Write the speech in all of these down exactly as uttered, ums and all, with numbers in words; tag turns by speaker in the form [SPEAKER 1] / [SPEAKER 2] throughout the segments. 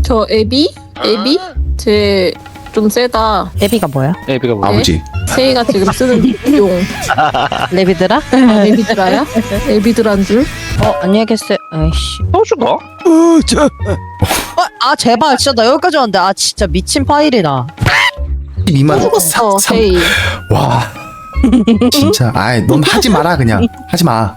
[SPEAKER 1] 저 애비? 애비? 제 좀 세다.
[SPEAKER 2] 애비가 뭐야?
[SPEAKER 3] 애비가 뭐야?
[SPEAKER 4] 아버지.
[SPEAKER 1] 세이가 지금 쓰는 용.
[SPEAKER 2] 레비드라?
[SPEAKER 1] 아, 애비드라야? 애비드란 줄?
[SPEAKER 2] 어 안녕히 계세요. 아이씨.
[SPEAKER 3] 또 죽어?
[SPEAKER 4] 어, 저.
[SPEAKER 2] 어, 아 제발 진짜 나 여기까지 왔는데 아 진짜 미친 파일이다.
[SPEAKER 4] 이만
[SPEAKER 1] 죽었어,
[SPEAKER 4] 삼-
[SPEAKER 1] 세이.
[SPEAKER 4] 와. 진짜. 아이, 넌 하지 마라 그냥. 하지 마.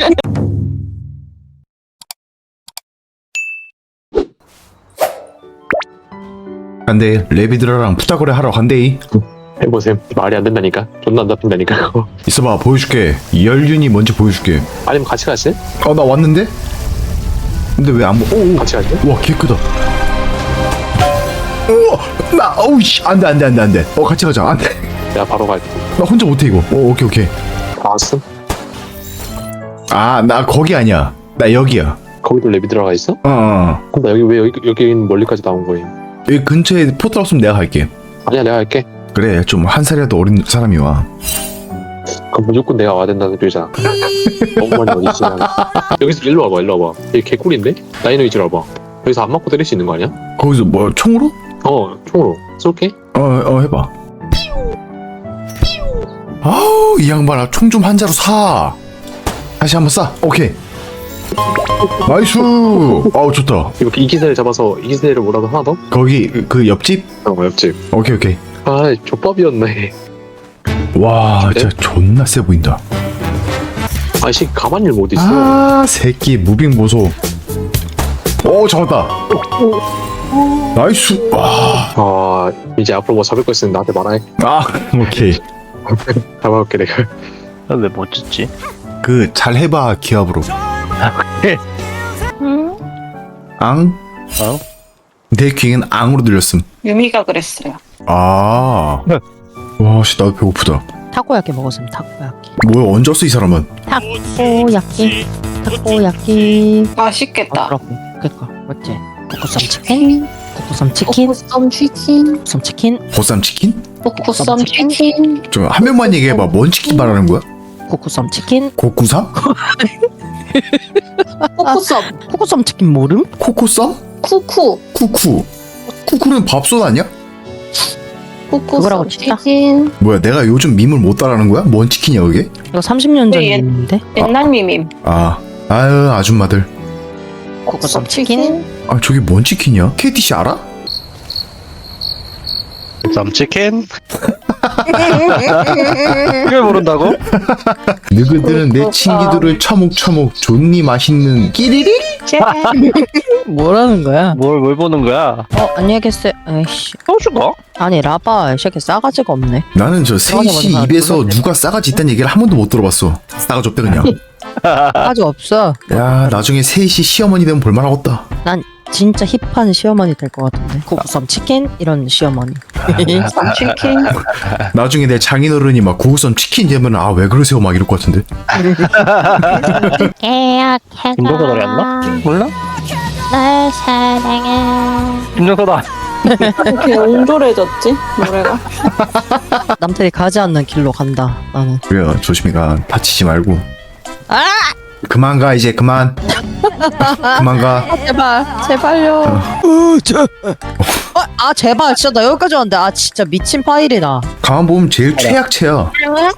[SPEAKER 4] 근데 레비드라랑 푸다거래 하러 간대이.
[SPEAKER 3] 해보셈. 말이 안 된다니까. 존나 안 잡힌다니까 그거.
[SPEAKER 4] 있어봐, 보여줄게. 열륜이 뭔지 보여줄게.
[SPEAKER 3] 아니면 같이 가시?
[SPEAKER 4] 어, 나 왔는데? 근데 왜 안 보? 오, 오.
[SPEAKER 3] 같이 가시?
[SPEAKER 4] 와, 개 크다. 우와, 나, 어우, 씨. 안 돼, 안 돼, 안 돼, 안 돼. 어, 같이 가자. 안 돼.
[SPEAKER 3] 내가 바로 갈게.
[SPEAKER 4] 나 혼자 못해, 이거. 오, 오케이, 오케이.
[SPEAKER 3] 알았어?
[SPEAKER 4] 아, 나 거기 아니야. 나 여기야.
[SPEAKER 3] 거기도 랩이 들어가 있어?
[SPEAKER 4] 어, 어.
[SPEAKER 3] 그럼 나 여기 왜 여기, 여기 멀리까지 나온 거임?
[SPEAKER 4] 여기 근처에 포트 없으면 내가 갈게.
[SPEAKER 3] 아니야 내가 할게.
[SPEAKER 4] 그래, 좀 한 살이라도 어린 사람이 와.
[SPEAKER 3] 그럼 무조건 내가 와야 된다는 소리잖아. 너무 많이 어디지? 여기서 일로 와봐 일로 와봐. 이게 개꿀인데? 나이노 이지로 와봐. 여기서 안 맞고 때릴 수 있는 거 아니야?
[SPEAKER 4] 거기서 뭐, 총으로?
[SPEAKER 3] 어 총으로 쏠게.
[SPEAKER 4] 어, 어, 해봐. 아우, 이 양반아, 총 좀 한 자루 사. 다시 한번 쏴. 오케이. 나이스. 아우, 좋다.
[SPEAKER 3] 이거 이 기세를 잡아서 이 기세를 뭐라도 하나 더?
[SPEAKER 4] 거기, 그 옆집?
[SPEAKER 3] 어 옆집.
[SPEAKER 4] 오케이, 오케이.
[SPEAKER 3] 아 족밥이었네.
[SPEAKER 4] 와, 진짜 존나 세 보인다.
[SPEAKER 3] 아씨 가만히 일 못 있어.
[SPEAKER 4] 아, 새끼, 무빙 보소. 오, 잡았다. 나이스. 와.
[SPEAKER 3] 아 이제 앞으로 뭐 잡을 거 있으면 나한테 말해.
[SPEAKER 4] 아, 오케이.
[SPEAKER 3] 잡아볼게 내가.
[SPEAKER 5] 왜 못 짓지?
[SPEAKER 4] 그, 잘 해봐, 기압으로.
[SPEAKER 1] 응?
[SPEAKER 4] 앙?
[SPEAKER 5] 어?
[SPEAKER 4] 내 귀엔 앙으로 들렸음.
[SPEAKER 1] 유미가 그랬어요.
[SPEAKER 4] 아. 와, 씨, 나도 배고프다.
[SPEAKER 2] 타코야끼 먹었으면 타코야끼.
[SPEAKER 4] 뭐야, 언제 왔어, 이 사람은?
[SPEAKER 2] 타코야끼. 타코야끼.
[SPEAKER 1] 맛있겠다.
[SPEAKER 2] 아, 그렇고. 그니까 맞지. 코코쌈 치킨. 코코쌈 치킨.
[SPEAKER 1] 포크썸 치킨.
[SPEAKER 2] 코코쌈 치킨.
[SPEAKER 4] 보쌈 치킨?
[SPEAKER 1] 포크썸 치킨.
[SPEAKER 4] 좀 한 명만 얘기해봐. 뭔 치킨 말하는 거야?
[SPEAKER 2] 코코쌈 치킨.
[SPEAKER 4] 고쿠삼?
[SPEAKER 1] 포크썸.
[SPEAKER 2] 코코쌈 치킨 모름?
[SPEAKER 4] 코코쌈?
[SPEAKER 1] 쿠쿠.
[SPEAKER 4] 쿠쿠. 쿠쿠는 밥솥 아니야?
[SPEAKER 2] 그거라고
[SPEAKER 1] 포크썸
[SPEAKER 2] 치자.
[SPEAKER 1] 치킨.
[SPEAKER 4] 뭐야, 내가 요즘 밈을 못 따라하는 거야? 뭔 치킨이야, 그게?
[SPEAKER 2] 이거 삼십 년 전
[SPEAKER 1] 네, 옛-
[SPEAKER 2] 일인데.
[SPEAKER 1] 옛날 미밈.
[SPEAKER 4] 아, 아유, 아줌마들.
[SPEAKER 2] 코코쌈 치킨.
[SPEAKER 4] 아, 저게 뭔 치킨이야? 케이티씨 알아?
[SPEAKER 5] 쌈치킨? 그걸 모른다고?
[SPEAKER 4] 너희들은 내 친기들을 처묵처묵 존니 맛있는 끼리리?
[SPEAKER 2] 뭐라는 거야?
[SPEAKER 5] 뭘, 뭘 보는 거야?
[SPEAKER 2] 어 안녕히 계세요. 아이씨.
[SPEAKER 5] 또 죽어?
[SPEAKER 2] 아니 라바 이 새끼 싸가지가 없네.
[SPEAKER 4] 나는 저 세이씨
[SPEAKER 2] 맞아, 맞아.
[SPEAKER 4] 입에서
[SPEAKER 2] 몰랐네.
[SPEAKER 4] 누가 싸가지 있다는 얘기를 한 번도 못 들어봤어. 싸가지 없대 그냥.
[SPEAKER 2] 싸가지 없어.
[SPEAKER 4] 야, 나중에 세이씨 시어머니 되면 볼만하겠다.
[SPEAKER 2] 난 진짜 힙한 시어머니 될 것 같은데. 코코쌈 치킨 이런 시어머니.
[SPEAKER 1] 치킨.
[SPEAKER 4] 나중에 내 장인어른이 막 구구선 치킨 되면 아 왜 그러세요 막 이럴 것 같은데.
[SPEAKER 5] 김종서 노래 안 나? 몰라?
[SPEAKER 6] 날 사랑해.
[SPEAKER 5] 김종서다.
[SPEAKER 1] 이렇게 옹졸해졌지 노래가.
[SPEAKER 2] 남들이 가지 않는 길로 간다. 나는.
[SPEAKER 4] 그래요, 조심히 가. 다치지 말고.
[SPEAKER 2] 아!
[SPEAKER 4] 그만 가 이제 그만. 그만 가.
[SPEAKER 2] 제발 제발요.
[SPEAKER 4] 어, 저.
[SPEAKER 2] 어, 아 제발 진짜 나 여기까지 왔는데 아 진짜 미친 파일이다.
[SPEAKER 4] 가만 보면 제일 최약체야.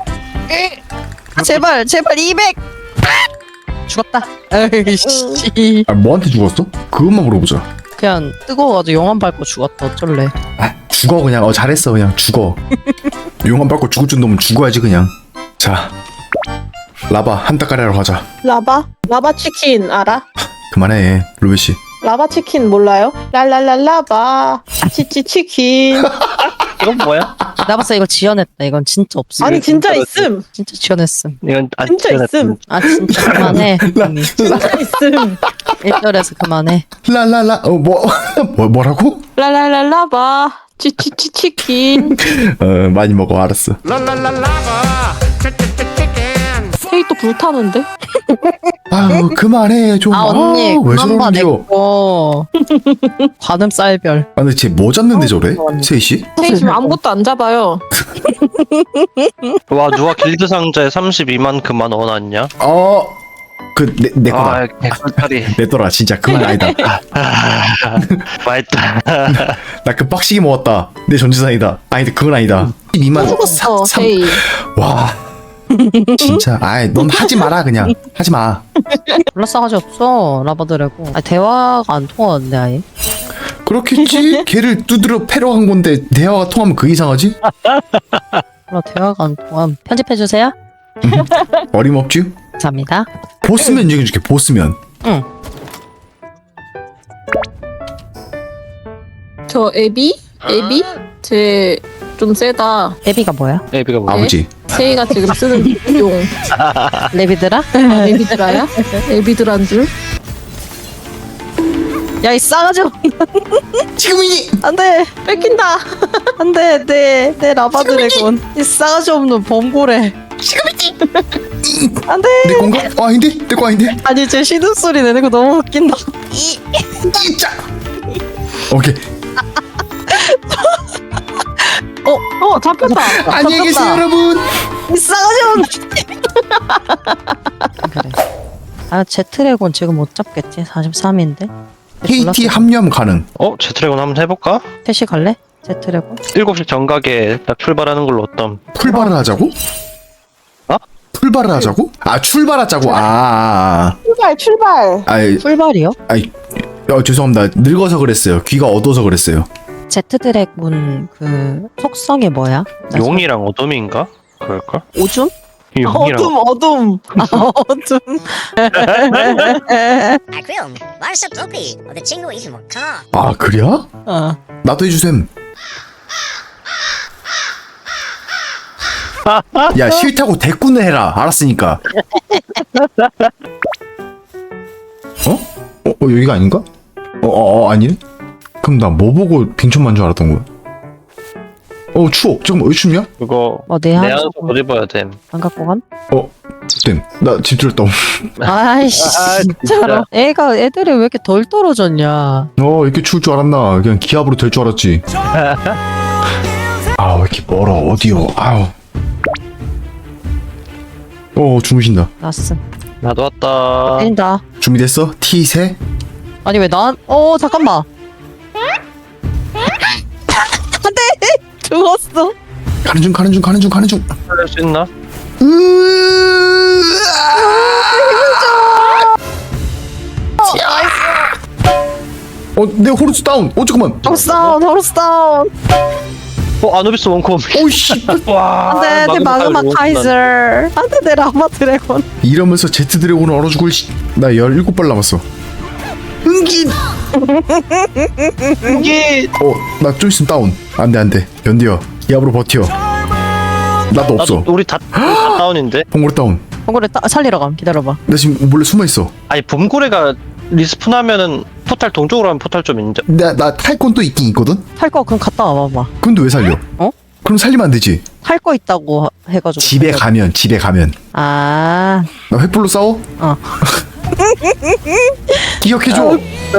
[SPEAKER 2] 제발 제발 이백. 죽었다. 에이씨.
[SPEAKER 4] 아, 뭐한테 죽었어? 그것만 물어보자.
[SPEAKER 2] 그냥 뜨거워가지고 용암 밟고 죽었다. 어쩔래.
[SPEAKER 4] 아, 죽어 그냥. 어, 잘했어 그냥 죽어. 용암 밟고 죽을 정도면 죽어야지 그냥. 자, 라바 한따까리 하러 가자.
[SPEAKER 1] 라바? 라바 치킨 알아?
[SPEAKER 4] 그만해, 루베 씨.
[SPEAKER 1] 라바 치킨 몰라요? 랄랄랄라바 치치 치킨.
[SPEAKER 5] 이건 뭐야?
[SPEAKER 2] 나 봤어 이거 지어냈다. 이건 진짜 없어.
[SPEAKER 1] 아니 진짜 있음.
[SPEAKER 2] 진짜 지어냈음.
[SPEAKER 5] 이건 안
[SPEAKER 1] 진짜
[SPEAKER 5] 찢어냈다.
[SPEAKER 1] 있음.
[SPEAKER 2] 아 진짜 그만해. 언니.
[SPEAKER 1] 진짜 있음.
[SPEAKER 2] 일 절에서 그만해.
[SPEAKER 4] 라라라. 어, 뭐, 뭐 뭐라고?
[SPEAKER 1] 랄랄랄라바 치치치 치킨.
[SPEAKER 4] 어, 많이 먹어. 알았어.
[SPEAKER 1] 헤이 또 불타는데?
[SPEAKER 4] 아유, 그만해 좀.
[SPEAKER 2] 아 언니
[SPEAKER 4] 아우, 왜
[SPEAKER 2] 그만 봐
[SPEAKER 4] 저러는겨?
[SPEAKER 2] 내거. 관음 쌀별.
[SPEAKER 4] 아, 근데 쟤 뭐 잡는데 저래? 세이 씨?
[SPEAKER 1] 헤이 지금 아무것도 안 잡아요.
[SPEAKER 5] 와 누가 길드 상자에 삼십이만 그만 넣어놨냐?
[SPEAKER 4] 어, 그 내 내 거다.
[SPEAKER 5] 아 개꿀다리.
[SPEAKER 4] 내 거라 진짜 그건 아니다.
[SPEAKER 5] 맛있다.
[SPEAKER 4] 나 그 빡시게 먹었다. 내 전재산이다. 아니다 그건 아니다. 이만
[SPEAKER 1] 죽었어 헤이.
[SPEAKER 4] 와 진짜 아이 넌 하지 마라 그냥 하지 마.
[SPEAKER 2] 졸라 싸가지 없어 라바드래고. 아 대화가 안 통하는데 아예.
[SPEAKER 4] 그렇겠지. 걔를 두드려 패러 간 건데 대화가 통하면 그 이상하지?
[SPEAKER 2] 졸라 대화가 안 통함. 편집해 주세요.
[SPEAKER 4] 어림없지?
[SPEAKER 2] 감사합니다.
[SPEAKER 4] 보스면 인정해줄게. 보스면.
[SPEAKER 2] 응.
[SPEAKER 1] 저 애비? 애비? 쟤 좀 세다.
[SPEAKER 2] 애비가 뭐야?
[SPEAKER 5] 애비가 뭐야?
[SPEAKER 4] 아버지.
[SPEAKER 1] 세이가 지금 쓰는 용.
[SPEAKER 2] 레비드라?
[SPEAKER 1] 아, 애비드라야? 애비드란 줄?
[SPEAKER 2] 야 이 싸가지 없.
[SPEAKER 4] 지금이니.
[SPEAKER 2] 안돼
[SPEAKER 1] 뺏긴다.
[SPEAKER 2] 안돼 내 내 라바드래곤. 이 싸가지 없는 범고래. 안돼.
[SPEAKER 4] 내 건가? 어, 아닌데? 내 거 아닌데?
[SPEAKER 2] 아니 제 신음 소리 내는 거 너무 웃긴다.
[SPEAKER 4] 진짜. 오케이.
[SPEAKER 1] 어 잡혔다.
[SPEAKER 4] 안녕히 계세요 여러분.
[SPEAKER 2] 이 싸가지 없는. 그래. 아 제트래곤 지금 못 잡겠지. 사십삼인데.
[SPEAKER 4] 케이티 합류하면 가능.
[SPEAKER 5] 어? 제트래곤 한번 해볼까?
[SPEAKER 2] 셋이 갈래? 제트래곤?
[SPEAKER 5] 일곱 시 정각에 딱 출발하는 걸로 어떤?
[SPEAKER 4] 풀발을 하자고?
[SPEAKER 5] 어?
[SPEAKER 4] 풀발을 하자고? 아 출발하자고. 아. 아,
[SPEAKER 1] 출발 출발.
[SPEAKER 4] 아. 아이,
[SPEAKER 2] 풀발이요?
[SPEAKER 4] 아이. 어, 죄송합니다. 늙어서 그랬어요. 귀가 어두워서 그랬어요.
[SPEAKER 2] 제트드래곤 그 속성이 뭐야? 나
[SPEAKER 5] 용이랑 어둠인가? 그럴걸?
[SPEAKER 2] 저- 오줌?
[SPEAKER 5] 용이랑
[SPEAKER 2] 어둠. 아 어둠.
[SPEAKER 7] 아 그럼 말씀 없이 어디 친구 있으면 가.
[SPEAKER 4] 아 그래요?
[SPEAKER 2] 어.
[SPEAKER 4] 나도 해주셈. 야 싫다고 대꾸는 해라. 알았으니까. 어? 어, 어 여기가 아닌가? 어, 어, 어 아니네? 그럼 나 뭐 보고 빙천만 줄 알았던 거야? 어 추워. 잠깐만 왜 춥냐?
[SPEAKER 5] 그거
[SPEAKER 2] 어내
[SPEAKER 5] 내
[SPEAKER 2] 한
[SPEAKER 5] 안에서 못 입어야 됨.
[SPEAKER 2] 안 갖고 간?
[SPEAKER 4] 어 땜. 나 집 들었다.
[SPEAKER 2] 아이씨
[SPEAKER 5] 아,
[SPEAKER 2] 진짜로. 애가 애들이 왜 이렇게 덜 떨어졌냐?
[SPEAKER 4] 어 이렇게 추울 줄 알았나? 그냥 기압으로 될 줄 알았지. 아 왜 이렇게 멀어? 어디요? 아우. 어 주무신다.
[SPEAKER 2] 나스.
[SPEAKER 5] 나도 왔다.
[SPEAKER 2] 때린다.
[SPEAKER 4] 준비됐어? 티 세?
[SPEAKER 2] 아니 왜 난? 어 잠깐만. 안돼 죽었어.
[SPEAKER 4] 가는 중 가는 중 가는 중 가는 중.
[SPEAKER 5] 할 수 있나?
[SPEAKER 4] 어, 내 호르스 다운. 어, 잠깐만.
[SPEAKER 2] 호르스 다운 호르스 다운.
[SPEAKER 5] 어 아누비스 원콤.
[SPEAKER 4] 오이씨.
[SPEAKER 5] 와.
[SPEAKER 2] 안돼 내 마그마 카이저. 안돼 내 라마 드래곤.
[SPEAKER 4] 이러면서 제트 드래곤을 얼어 죽을 시... 나 열일곱 발 남았어. 응기.
[SPEAKER 5] 이게
[SPEAKER 4] 어, 나 좀 있으면 다운. 안 돼, 안 돼. 견디어. 기압으로 버텨. 나도 없어.
[SPEAKER 5] 나도 우리 다, 우리 다 다운인데.
[SPEAKER 4] 봉고래 다운.
[SPEAKER 2] 봉고래 따, 살리러 감. 기다려봐.
[SPEAKER 4] 나 지금 몰래 숨어 있어.
[SPEAKER 5] 아니 봄고래가 리스폰하면은 포탈 동쪽으로 하면 포탈 좀 인정.
[SPEAKER 4] 나, 나 탈 건 또 있긴 있거든?
[SPEAKER 2] 탈 거 그럼 갔다 와봐봐.
[SPEAKER 4] 근데 왜 살려?
[SPEAKER 2] 어?
[SPEAKER 4] 그럼 살리면 안 되지.
[SPEAKER 2] 탈 거 있다고 하- 해가지고.
[SPEAKER 4] 집에
[SPEAKER 2] 살려.
[SPEAKER 4] 가면, 집에 가면.
[SPEAKER 2] 아.
[SPEAKER 4] 나 횃불로 싸워?
[SPEAKER 2] 어.
[SPEAKER 4] 기억해줘.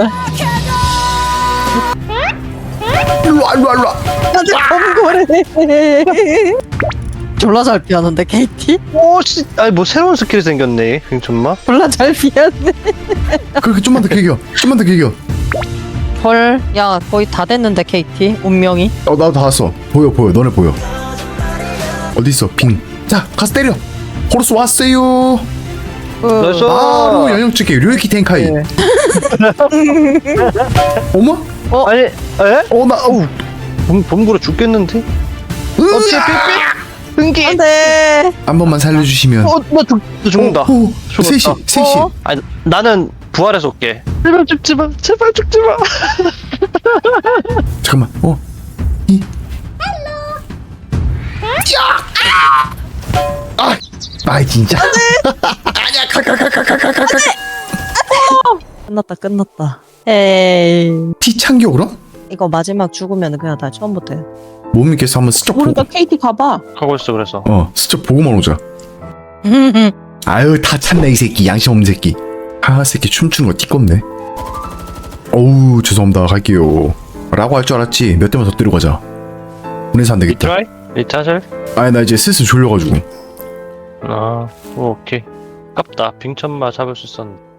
[SPEAKER 4] 일로와, 일로와, 일로와.
[SPEAKER 2] 안돼 봉고래. 졸라 잘 피하는데 케이티?
[SPEAKER 5] 오씨. 아니 뭐 새로운 스킬이 생겼네. 정말.
[SPEAKER 2] 졸라 잘 피하네.
[SPEAKER 4] 그렇게 좀만 더 길겨. 좀만 더 길겨.
[SPEAKER 2] 헐. 야 거의 다 됐는데 케이티. 운명이.
[SPEAKER 4] 어, 나도 다 왔어. 보여, 보여. 너네 보여. 어디 있어? 빙. 자, 가서 때려. 호르스 왔어요.
[SPEAKER 2] 그,
[SPEAKER 5] 나이스.
[SPEAKER 4] 바로 연역적이 류에키 텐카이.
[SPEAKER 2] 네.
[SPEAKER 4] 어머?
[SPEAKER 5] 아니 에?
[SPEAKER 4] 어, 나, 어우.
[SPEAKER 5] 봄 봄고래 죽겠는데? 어떻게 삐삐? 흥기.
[SPEAKER 2] 안돼.
[SPEAKER 4] 한 번만 살려주시면.
[SPEAKER 5] 어나 죽, 나 죽는다.
[SPEAKER 4] 어, 어,
[SPEAKER 5] 죽었다.
[SPEAKER 4] 셋이, 셋이.
[SPEAKER 2] 어?
[SPEAKER 5] 아니 나는 부활해서 올게. 제발 죽지 마. 제발 죽지 마.
[SPEAKER 4] 잠깐만. 어. 이. 아! 아, 진짜. 아니야, 가, 가, 가, 가, 가, 가, 가, 가.
[SPEAKER 2] 끝났다 끝났다. 에이.
[SPEAKER 4] 티 참겨, 그럼?
[SPEAKER 2] 이거 마지막 죽으면 그냥 다 처음부터 해.
[SPEAKER 4] 못 믿겠어. 한번 스쳐 보고.
[SPEAKER 1] 모르니까 케이티 가봐.
[SPEAKER 5] 가고 있어 그래서.
[SPEAKER 4] 어, 스쳐 보고만 오자. 아유, 다 참네, 이 새끼. 양심 없는 새끼. 아, 새끼 춤추는 거 띠껍네. 어우, 죄송합니다. 갈게요. 라고 할 줄 알았지. 몇 대만 더 때리고 가자. 그래서 안 되겠다.
[SPEAKER 5] 리트라이? 리타셀?
[SPEAKER 4] 아니, 나 이제 슬슬 졸려가지고.
[SPEAKER 5] 아 오, 오케이. 아깝다. 빙천마 잡을 수 있었는데.